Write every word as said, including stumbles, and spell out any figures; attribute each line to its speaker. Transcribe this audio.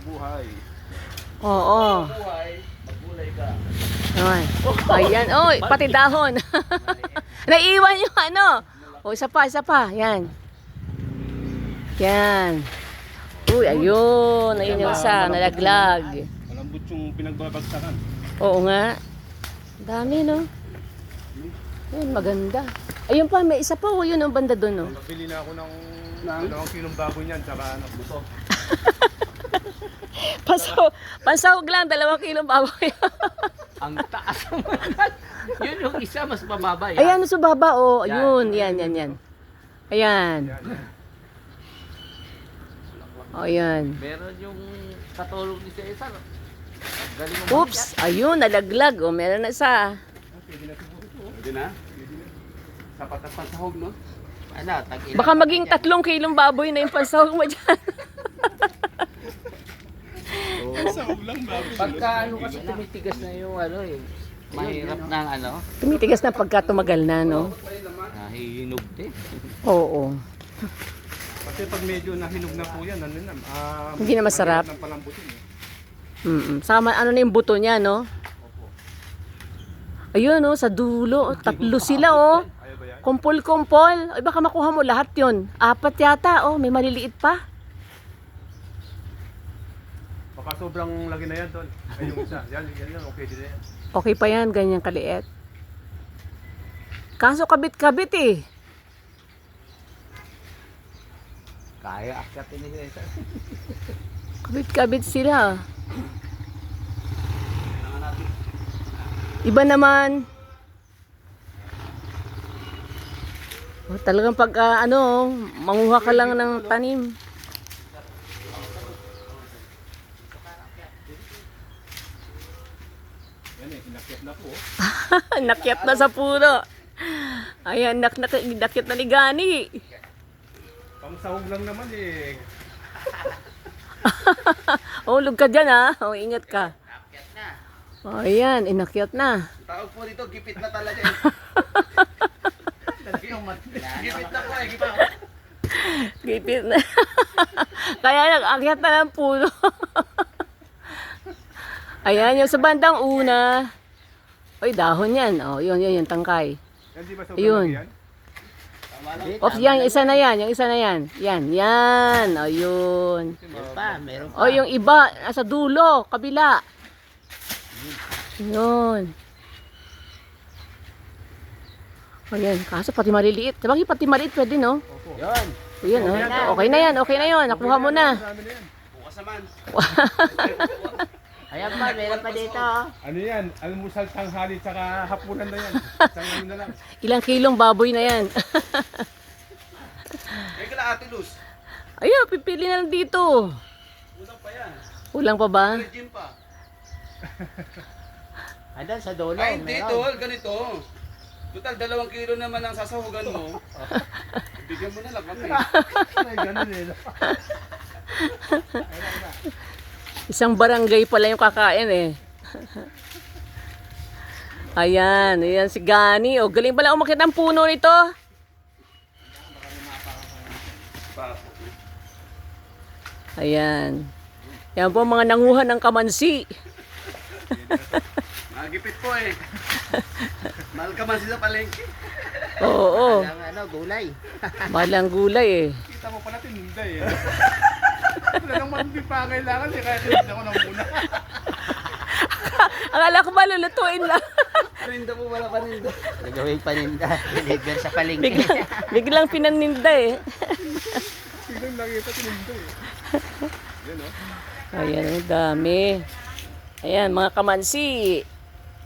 Speaker 1: buhay.
Speaker 2: Oo.
Speaker 1: Buhay, maggulay ka.
Speaker 2: Ay. Ayan. Oy, pati dahon. Naiiwan yung ano. O, isa pa, isa pa. Yan. Yan. Uy, ayun. Ayun yung isa. Nalaglag.
Speaker 1: Malambot yung pinagbabagsakan.
Speaker 2: Oo nga. Dami, no? Ayun, maganda. Ayun pa, may isa pa. O, yun ang banda doon, no?
Speaker 1: Nagbili na ako ng dalawang kilong baboy niyan, tsaka ano, buto.
Speaker 2: Pasaw, pansahog lang, dalawang kilong baboy.
Speaker 3: Ang taas naman. Yun yung isa, mas mababa yan.
Speaker 2: Ayan, sa baba, oh. Ayun, yan, yan, yan. Ayan. O, yan.
Speaker 3: Meron yung katulong ni sa isa. Galing mo.
Speaker 2: Oops, ayun, nalaglag. O, meron na isa.
Speaker 1: Pwede na? Sapat na pansahog, no?
Speaker 3: Ano, tag-ilan.
Speaker 2: Baka maging tatlong kilong baboy na yung pansahog mo dyan.
Speaker 1: Pansahog lang baboy.
Speaker 3: Pagka ano kasi tumitigas na yung ano eh. Mahirap ng ano.
Speaker 2: Tumitigas na pagka tumagal na, no?
Speaker 3: Nahihinog din.
Speaker 2: Oo.
Speaker 1: Kasi pag medyo nahinog na po yan, ano na, ah,
Speaker 2: Hindi na masarap.
Speaker 1: mahirap ng palambutin, eh.
Speaker 2: Mm-mm. Sama, ano na yung buto niya, no? Ayun, no? Sa dulo. Tatlo sila, oh.
Speaker 1: Ayaw ba yan?
Speaker 2: Kumpol-kumpol. Ay, baka makuha mo lahat yon. Apat yata, oh. May maliliit pa.
Speaker 1: Baka sobrang lagi na yan, tol. Ay, yung isa. Yan, yan, yan. Okay din na yan.
Speaker 2: Okay pa yan, ganyan kaliit. Kaso kabit-kabit, eh.
Speaker 3: Kaya akyatin ni sa isa.
Speaker 2: Kabit-kabit sila. Iba naman. Oh, talagang pag ah, ano, manguha ka lang ng tanim.
Speaker 1: Yan eh, inakyat na po. oh.
Speaker 2: Nakyat na sa puno. Ayan, nak nak nakyat na ni Gani.
Speaker 1: Pangsahog lang naman eh.
Speaker 2: Oh, lug ka dyan, ha. Oh, ingat ka.
Speaker 3: Akyat na.
Speaker 2: Oh, ayan, inakyat na.
Speaker 1: Tawag po dito, gipit na talaga eh. Gipit na po eh, gipit.
Speaker 2: Gipit na. Kaya nag-akyat na ng puno. Ayan, yung sa bandang una. Oy, dahon yan. Oh, yun, yun, yung tangkay.
Speaker 1: Yan di ba sobrang
Speaker 2: Ayun.
Speaker 1: laki yan?
Speaker 2: Of, yan, yung isa na yan, yung isa na yan. Yan, yan. O, yun.
Speaker 3: Meron pa, meron pa.
Speaker 2: O, yung iba, nasa dulo, kabila. Yun. O, yan. Kaso, pati maliliit. Sabagay, pati maliit pwede, no?
Speaker 3: Yun.
Speaker 2: O, yun, o. Okay na yan, okay na yun. Nakuha mo na.
Speaker 1: Marami na yan. Bukas naman.
Speaker 3: Ayan pa, meron pa dito.
Speaker 1: Ano yan? Almusal, tanghali, tsaka hapunan na yan. Isang ano na lang.
Speaker 2: Ilang kilong baboy na yan.
Speaker 1: May kala Ate Luz.
Speaker 2: Ayun, pipili na lang dito.
Speaker 1: Ulang pa yan.
Speaker 2: Kulang pa ba?
Speaker 1: Gym pa.
Speaker 3: Ayan, sa dulo.
Speaker 4: Ay, hindi
Speaker 3: meron.
Speaker 4: tol, ganito. Total, dalawang kilo naman ang sasahugan mo. Bigyan mo na lang kami.
Speaker 1: Ay, ganun eh.
Speaker 2: Isang barangay pala yung kakain eh. Ayan, ayan si Gani. O, galing pala umakit ang puno nito. Ayan. Yan po mga nanguhan ng kamansi.
Speaker 4: Magipit po eh. Mahal ka man sila palengke.
Speaker 2: Oo,
Speaker 3: Ang ano, gulay.
Speaker 2: malang gulay eh.
Speaker 1: Kita mo pala tinunda eh. Wala nang mabibig pa kailangan eh. Kaya tinunda ko na muna.
Speaker 2: Akala ko malulutuin lang.
Speaker 4: Paninda po wala paninda.
Speaker 3: Nagawing paninda. Deliver sa palengke.
Speaker 2: Biglang, biglang pinaninda eh.
Speaker 1: Biglang nakita tinunda eh. Yan oh.
Speaker 2: Ayan, ang dami. Ayan, mga kamansi.